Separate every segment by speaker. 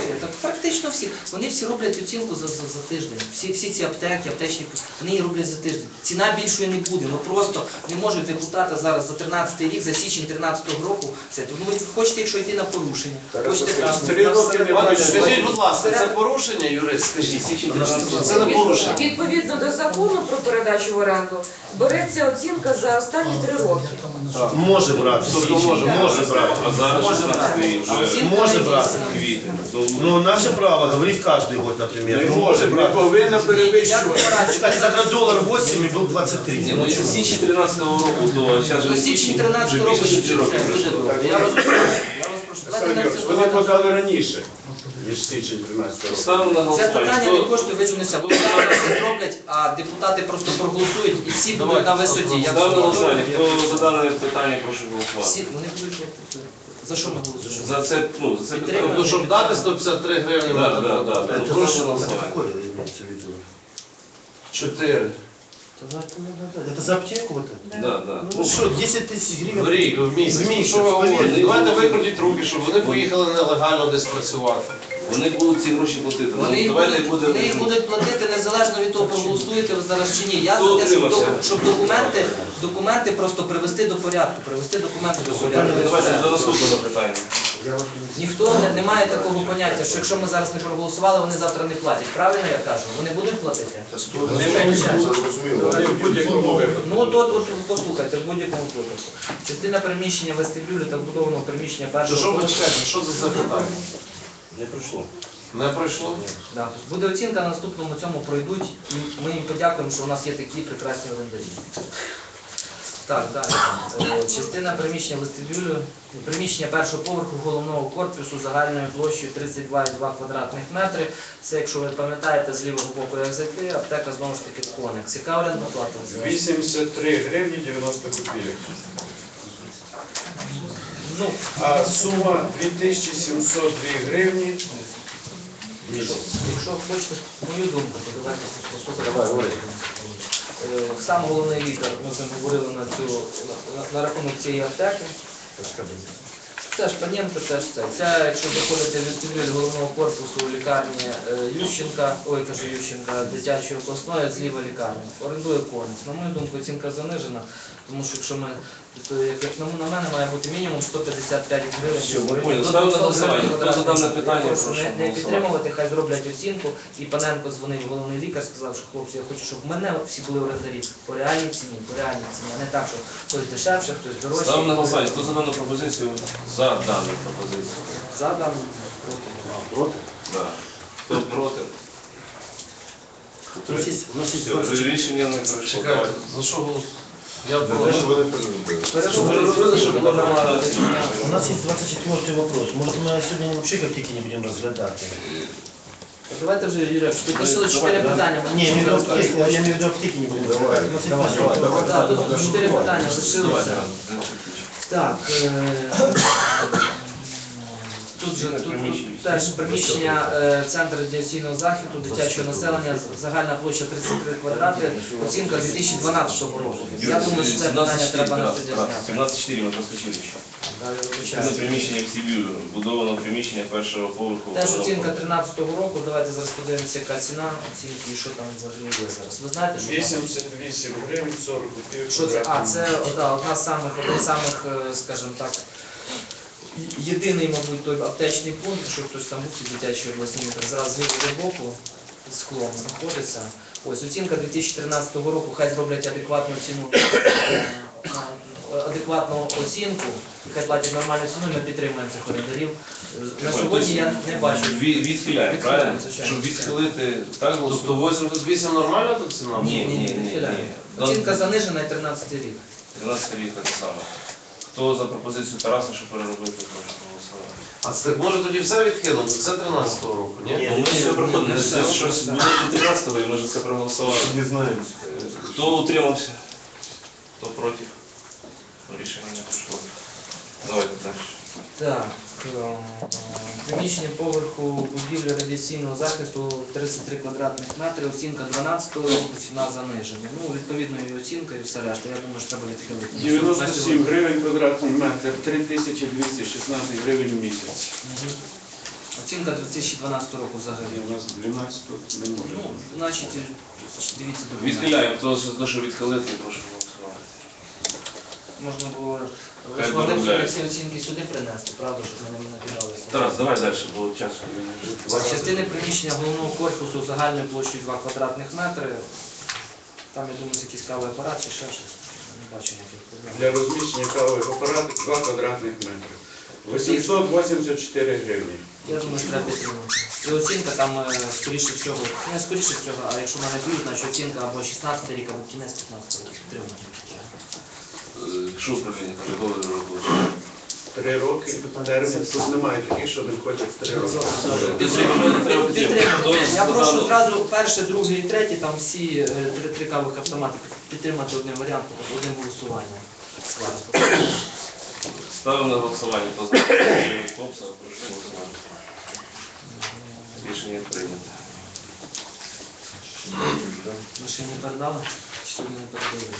Speaker 1: Так практично всі. Вони всі роблять оцінку за тиждень. Всі ці аптеки, аптечні пустки, вони її роблять за тиждень. Ціна більшої не буде. Ну просто не можуть депутати зараз за 13-й рік, за січень 13-го року. Ви хочете, якщо йти на порушення. Хочете
Speaker 2: Скажіть, будь ласка, це порушення, юрист? Скажіть, це не порушення.
Speaker 3: Відповідно до закону про передачу в оренду береться оцінка за останні 3 роки.
Speaker 4: Може брати. Може брати.
Speaker 5: А зараз
Speaker 4: Може брати. Ну, наше право говорить каждый год, например.
Speaker 2: Не може, не повинно перевищувати.
Speaker 4: Кстати, тогда $8 и был 23.
Speaker 5: Ну, це січні 13-го року, то зараз
Speaker 1: до січня 13-го року
Speaker 5: вже більше 4 роки.
Speaker 1: Я вас прошу.
Speaker 2: Вони подали раніше, ніж січень 13 року.
Speaker 5: Ставимо на
Speaker 1: Це питання не
Speaker 5: голосування.
Speaker 1: коштує визначитися, бо вони все зроблять, а депутати просто проголосують і всі будуть на висоті. Як
Speaker 5: Ставимо на голосування. Хто за дане питання, прошу голосувати.
Speaker 1: всі, вони будуть жовті. За що ми голосуємо?
Speaker 5: За це, ну, за це
Speaker 1: Підтримуємо.
Speaker 2: Тобто, щоб дати 153 гривні,
Speaker 5: Так. Прошу голосувати.
Speaker 4: Какое имеется в виду?
Speaker 2: 4.
Speaker 4: Это за аптеку вот это?
Speaker 5: Да.
Speaker 4: Ну что, 10 тысяч гривен?
Speaker 2: В рік, в місяць.
Speaker 4: В місяць,
Speaker 2: Що ви говорите?
Speaker 4: повірте.
Speaker 2: Давайте викрутіть руки, щоб вони поїхали нелегально десь працювати.
Speaker 5: Вони будуть ці гроші платити.
Speaker 1: Вони
Speaker 5: Ну,
Speaker 1: їх
Speaker 5: давайте
Speaker 1: будуть платити незалежно від того, проголосуєте ви зараз чи ні. Я
Speaker 5: Хто
Speaker 1: за те,
Speaker 5: утримався?
Speaker 1: щоб документи просто привести до порядку, привести документи до порядку.
Speaker 5: Давайте до наступного питання.
Speaker 1: Ніхто не має такого поняття, що якщо ми зараз не проголосували, вони завтра не платять. Правильно я кажу? Вони будуть платити?
Speaker 2: В будь-якому випадку.
Speaker 1: Ну от послухайте, в будь-якому випадку. Частина приміщення вестибюлю та вбудованого приміщення
Speaker 2: Що
Speaker 1: першого
Speaker 2: ви чекаєте? Що це за питання?
Speaker 5: Не пройшло.
Speaker 2: Не пройшло?
Speaker 1: Да, тобто буде оцінка, на наступному цьому пройдуть. І ми їм подякуємо, що у нас є такі прекрасні орендарі. Так, далі. Частина приміщення вестибюлю, приміщення першого поверху головного корпусу загальною площею 32,2 квадратних метри. Це, якщо ви пам'ятаєте, з лівого боку як зайти, аптека знову ж таки Коникс. Яка орендна плата?
Speaker 6: 83 гривні 90 копійок.
Speaker 1: Ну,
Speaker 6: А сума 2702 гривні.
Speaker 1: якщо хочете мою думку, то давайте послухайте. Сам головний лікар, ми з ним говорили на рахунок цієї аптеки. Теж Паненко, теж це. Це, якщо заходите в вестибюль головного корпусу лікарні Ющенка, дитячої обласної, зліва лікарні. Орендує Коникс. На мою думку, оцінка занижена, тому що якщо ми, як на мене, має бути мінімум 155 гривень.
Speaker 5: Ставимо на голосування. Хто за дане питання, прошу
Speaker 1: Не
Speaker 5: голосувати.
Speaker 1: підтримувати, хай зроблять оцінку. І Паненко дзвонив, головний лікар, сказав, що хлопці, я хочу, щоб в мене всі були орендарі по реальній ціні, а не так, що хтось дешевше, хтось дорожче.
Speaker 5: Ставимо на голосування. Хто за дану пропозицію? За дану пропозицію.
Speaker 1: За дану.
Speaker 4: Проти?
Speaker 5: Да. Хто проти?
Speaker 4: У нас есть
Speaker 5: Все,
Speaker 4: 20.
Speaker 5: рішення не пройшло.
Speaker 2: Чекайте, за що голосуєте? Я
Speaker 5: Щоб ви розуміли, що була нормальна оцінка.
Speaker 4: У нас есть 24 вопрос. Может, мы сегодня вообще аптеки не будем разглядать?
Speaker 1: Давайте вже, Юрій, підписали 4 питання.
Speaker 4: Не, я имею в виду аптеки не будем разглядать.
Speaker 1: Так, тут 4 питання лишилося. Так, тут теж приміщення Центру радіаційного захисту дитячого населення, загальна площа 33 квадрати, оцінка 2012 року. Я думаю, що це питання треба на сьогодні зняти.
Speaker 5: 17,4 ми проскочили ще. Це приміщення в Сибірі, будовано приміщення першого поверху.
Speaker 1: Теж оцінка 13-го року, давайте зараз подивимося, яка ціна оцінки і що там взагалі є зараз. Ви знаєте, що там?
Speaker 6: 88 гривень 40 копійок.
Speaker 1: Що це? А, це одна з самих, скажімо так, єдиний, мабуть, той аптечний пункт, що хтось там був в дитячій обласній, зараз з лівого боку склом знаходиться. Ось оцінка 2013 року, хай зроблять адекватну ціну, адекватну оцінку, хай платять нормальну ціну, і ми підтримуємо цих орендарів. На сьогодні я не бачу.
Speaker 5: Відхиляємо, правильно?
Speaker 1: звичайно.
Speaker 5: Щоб відхилити, так
Speaker 2: Тобто
Speaker 5: голосуємо?
Speaker 2: 88 нормальна тут ціна?
Speaker 5: Ні.
Speaker 1: Відхиляємо. Оцінка занижена і 13 рік.
Speaker 5: 13 рік так само. Хто за пропозицію Тараса, щоб переробити, прошу голосувати.
Speaker 2: А це може тоді все відкинути? Це 13-го року, ні?
Speaker 5: Ну, ми все проходимо, це щось буде до 13-го, і ми вже це проголосували.
Speaker 6: Не знаю.
Speaker 5: Хто утримався? Хто проти? Рішення не пройшло. Давайте далі.
Speaker 1: Так, приміщення поверху будівлі радіаційного захисту 33 квадратних метри, оцінка 12-го року, ціна занижена. Ну, відповідно, і оцінка, і все решта. Я думаю, що треба відхилити.
Speaker 6: 97 гривень квадратний метр, 3216 гривень в місяць.
Speaker 1: Оцінка 2012 року взагалі.
Speaker 6: У нас 12 не може.
Speaker 1: Ну, значить, дивіться до
Speaker 5: Відхиляємо. Хто за те, що відхилити, прошу голосувати.
Speaker 1: Можна було
Speaker 5: Хай
Speaker 1: могли б
Speaker 5: доробляють.
Speaker 1: ці оцінки сюди принести, правда, щоб ми не накидалися.
Speaker 5: Тарас, давай далі, бо часу.
Speaker 1: Частини приміщення головного корпусу загальною площею 2 квадратних метри. Там, я думаю, якийсь кавовий апарат чи ще щось. Не бачу ніяких проблем.
Speaker 6: Для розміщення кавових апаратів 2 квадратних метри. 884 гривні.
Speaker 1: Я думаю, що треба підтримати. І оцінка там, скоріше всього, не скоріше всього, а якщо мене б'ють, значить оцінка або 16 рік, або кінець 15 рік. Підтримати.
Speaker 5: Що управління каже, договір робочий?
Speaker 6: 3 роки термін. Тут немає таких, що не хочуть 3 роки.
Speaker 5: Підтримуємо, треба підтримати.
Speaker 1: Я прошу одразу перше, друге і третє, там всі три кавових автомати підтримати одним варіантом, одним голосуванням.
Speaker 5: Ставимо на голосування. Хто за Копса, прошу голосувати. Рішення прийнято.
Speaker 1: Ви ще не передали? Чи сьогодні не передали?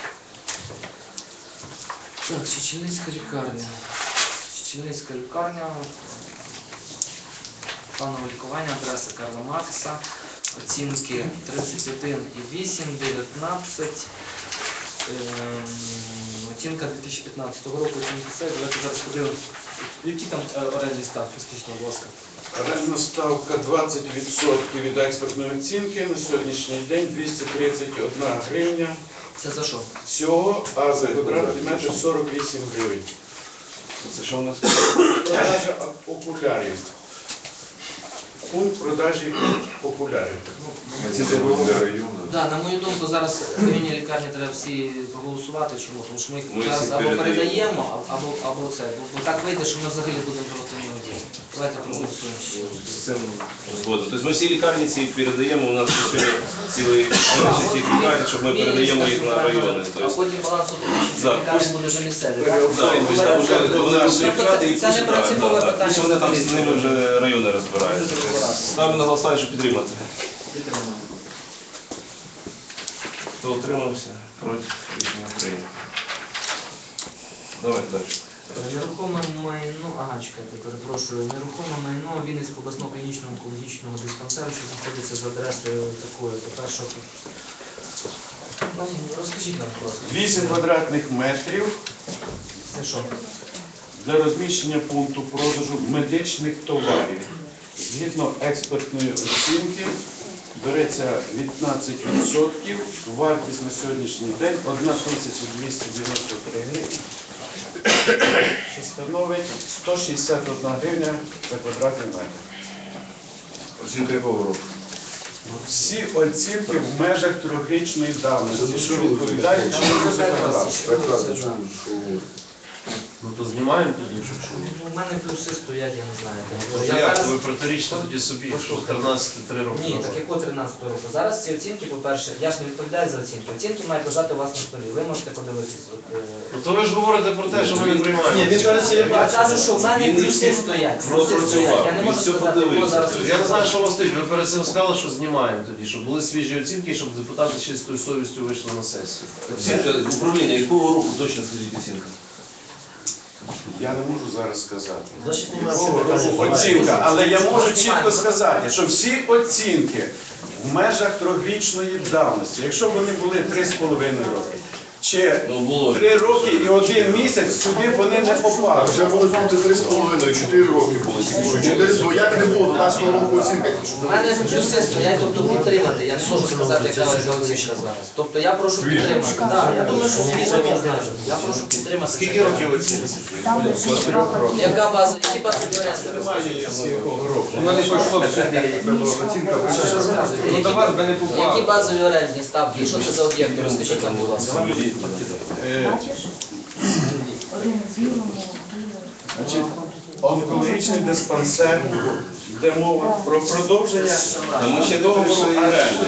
Speaker 1: Так, Чеченецька лікарня. Чеченецька лікарня. Планове лікування, адреса Карла Маркса. Оцінки 31,8, 19. Оцінка 2015 року, оцінки все. Давайте зараз подивимося. Які там орендні ставки, скажіть, будь ласка?
Speaker 6: Орендна ставка 20% від експертної оцінки. На сьогоднішній день 231 гривня.
Speaker 1: Це за що?
Speaker 6: Всього, а за квадратний метр 48 гривень.
Speaker 5: Це що у нас?
Speaker 6: Продажа окулярів. Пункт продажі окулярів.
Speaker 1: Да, на мою думку, зараз районні лікарні треба всі проголосувати. Чому? Тому що ми їх
Speaker 5: Ми
Speaker 1: зараз
Speaker 5: всі
Speaker 1: або
Speaker 5: передаємо.
Speaker 1: передаємо, або це. Бо так вийде, що ми взагалі будемо просто не одіяти. Давайте проголосуємо ще.
Speaker 5: З цим згодом. Тобто ми всі лікарні ці передаємо, у нас цілий ці лікарні, щоб ми передаємо їх на райони.
Speaker 1: А
Speaker 5: Тобто,
Speaker 1: потім баланс
Speaker 5: Да,
Speaker 1: лікарні буде вже місцевий, так?
Speaker 5: да, і ми там вже вони розширяти і
Speaker 1: Це не принципове питання.
Speaker 5: пусть вони там з ними вже райони розбираються. Ставимо на голосування, щоб підтримати.
Speaker 1: Підтримуємо.
Speaker 5: Хто утримався? Проти? Рішення прийнято. Давай далі.
Speaker 1: Нерухоме майно, чекайте, перепрошую, нерухоме майно Вінницького обласного клінічного онкологічного диспансеру, що знаходиться за адресою такою, то першого. Розкажіть нам, будь ласка.
Speaker 6: 8 квадратних метрів
Speaker 1: Це що?
Speaker 6: для розміщення пункту продажу медичних товарів. Згідно експертної оцінки береться 15%, вартість на сьогоднішній день 1293 гривні, що становить 161 гривня за квадратний метр.
Speaker 2: Оцінка якого року?
Speaker 6: Всі оцінки в межах 3-річної давності, що відповідає чинному законодавству.
Speaker 4: Ну то знімаємо тоді, що
Speaker 1: У мене плюси стоять, я не знаю.
Speaker 4: Ну,
Speaker 1: Я
Speaker 4: як?
Speaker 1: зараз-
Speaker 4: Ви протирічите тоді собі, що 13-3 роки
Speaker 1: Ні,
Speaker 4: назад.
Speaker 1: так якого 13 року. Зараз ці оцінки, по-перше, я ж не відповідаю за оцінки. Оцінки мають лежати у вас на столі. Ви можете подивитись.
Speaker 4: Ну то ви ж говорите про те, що ми не приймаємо.
Speaker 1: Ні, він зараз
Speaker 4: я
Speaker 1: Я кажу, що в мене
Speaker 5: Він
Speaker 1: плюси
Speaker 5: всі
Speaker 1: стоять. Плюси
Speaker 5: пропрацював,
Speaker 1: стоять. Я не
Speaker 5: він
Speaker 1: можу
Speaker 5: все
Speaker 1: сказати, хто
Speaker 5: подивився.
Speaker 1: зараз.
Speaker 4: Я не знаю, що у вас стоїть. Ви перед цим сказали, що знімаємо тоді, щоб були свіжі оцінки, щоб депутати з чистою совістю вийшли на сесію.
Speaker 5: Оцінка управління якого року точно скажіть оцінка?
Speaker 6: Я не можу зараз сказати.
Speaker 4: Значить,
Speaker 6: Оцінка, але я можу чітко сказати, що всі оцінки в межах 3-річної давності, якщо вони були 3,5 роки, чи
Speaker 5: Ну, було.
Speaker 6: 3 роки і 1 місяць, сюди вони не попали.
Speaker 7: Вже можуть бути 3,5, 4 роки були. 4, як не було, до нас року оцінка.
Speaker 1: У мене плюси стоять, тобто підтримати. Я не можу сказати, яка ваша оцінка зараз. Тобто я прошу підтримати. Так, я думаю, що свіжо я знаю. Я прошу підтримати.
Speaker 4: Скільки років оцінки?
Speaker 1: Яка база? Які бази
Speaker 7: Вона не пішла в суді, оцінка.
Speaker 4: Ну до вас би не
Speaker 1: Які
Speaker 4: попало.
Speaker 1: базові орендні ставки? І що це за об'єкти? Розкажіть нам, будь ласка.
Speaker 6: Значить, онкологічний диспансер, де мова про продовження.
Speaker 5: Там ще договору оренди.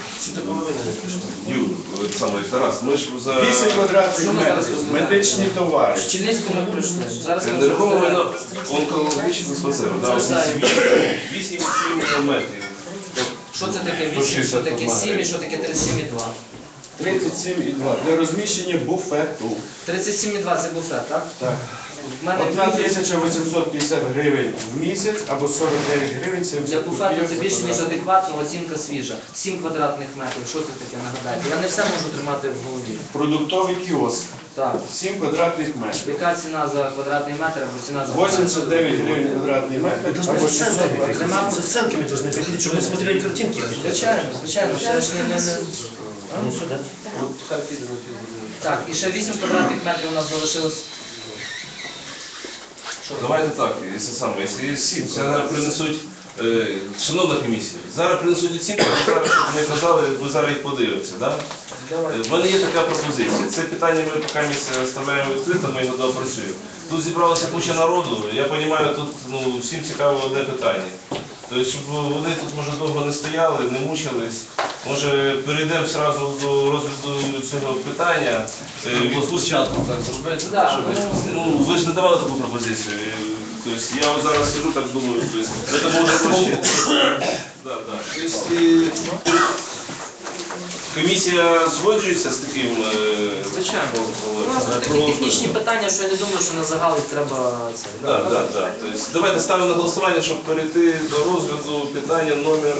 Speaker 5: Юр, саме Тарас, ми ж за
Speaker 6: 8 квадратних метрів, медичні товари.
Speaker 1: В Чинницькому ми пройшли. Зараз ми
Speaker 5: нерухоме майно онкологічного диспансеру. 8 метрів.
Speaker 1: Що це таке 8, що таке 7 і що таке 37,2?
Speaker 6: 37,2 для розміщення буфету.
Speaker 1: 37,2 це буфет, так?
Speaker 6: Так.
Speaker 1: в мене
Speaker 6: 1850 гривень в місяць або 49 гривень 70
Speaker 1: для буфету це
Speaker 6: копійок.
Speaker 1: більш ніж адекватно, оцінка свіжа. 7 квадратних метрів, що це таке, нагадайте? Я не все можу тримати в голові.
Speaker 6: Продуктовий кіоск,
Speaker 1: Так.
Speaker 6: 7 квадратних метрів.
Speaker 1: Яка ціна за квадратний метр або ціна за
Speaker 6: 89 гривень квадратний метр або 600 гривень.
Speaker 1: Нема?
Speaker 8: С оценками должны приходить, чтобы мы смотрели картинки.
Speaker 1: Звичайно, ще ж не...
Speaker 8: Ну, сюда.
Speaker 4: От хай піде на півгодини.
Speaker 1: Так, і ще 8 квадратних метрів у нас залишилось.
Speaker 5: Давайте так, якщо саме, якщо 7, зараз принесуть, шановна комісія, зараз принесуть оцінки, зараз, щоб ми казали, ви зараз їх подивитеся, да? В мене є така пропозиція. Це питання ми поки ставляємо відкрито, ми його доопрацюємо. Тут зібралася куча народу, я розумію, тут всім цікаво одне питання. Тобто, щоб вони тут, може, довго не стояли, не мучились. Може, перейдемо одразу до розгляду цього питання.
Speaker 4: Спочатку так зробити.
Speaker 1: Да,
Speaker 4: щоб-
Speaker 5: Ну, ви ж не давали таку пропозицію. Тобто, я от зараз сиджу, так думаю, тобто, це може проще. Да, да. Тобто, комісія згоджується з таким
Speaker 1: Звичайно. У нас тут такі
Speaker 5: про-
Speaker 1: технічні питання, що я не думаю, що на загал їх треба це.
Speaker 5: Так, так, так. Тобто, давайте ставимо на голосування, щоб перейти до розгляду питання номер.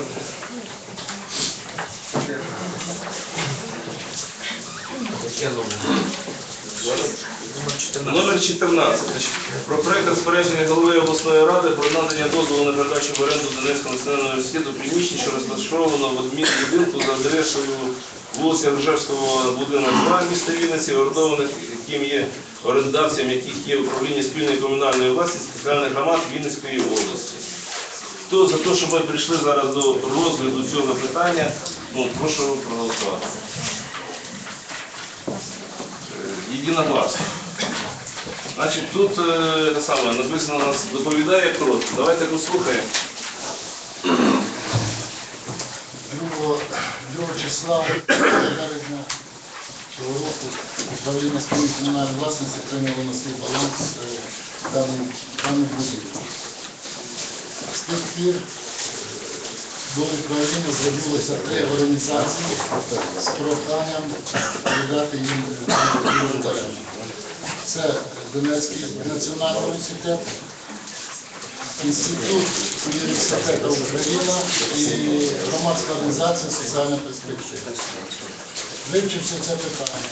Speaker 5: Номер 14. Про проект розпорядження голови обласної ради про надання дозволу на передачу в оренду Донецького національного університету приміщень, що розташовано в адмінбудинку за адресою вулиця Ржевського, будинок 2, міста Вінниці, орендованих, яким є орендавцем, яких є управління спільної комунальної власності спеціальних громад Вінницької області. Хто за те, щоб ми прийшли зараз до розгляду цього питання, прошу проголосувати. Єдиногласно. Значить, тут те саме, написано, нас доповідає коротко. Давайте послухаємо.
Speaker 9: 2 числа березня цього року управління спільної комунальної власності прийняло на свій баланс даний будинок. З тих пір до управління звернулося 3 організації з проханням передати їм в оренду. Це Донецький національний університет, Інститут університету Україна і громадська організація «Соціальна перспектива». Вивчивши це питання,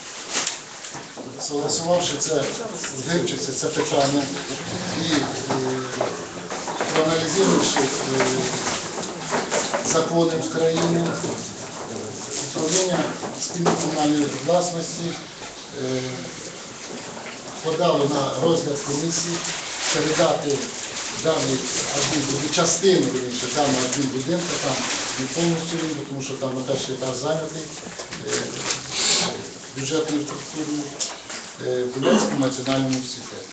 Speaker 9: вивчивши це питання і проаналізувавши закони України, управління спільної комунальної власності подало на розгляд комісії передати даний частину даного адмінбудинку, там не повністю він, тому що там на перший етаж зайнятий бюджетною структурою Донецькому національному університету.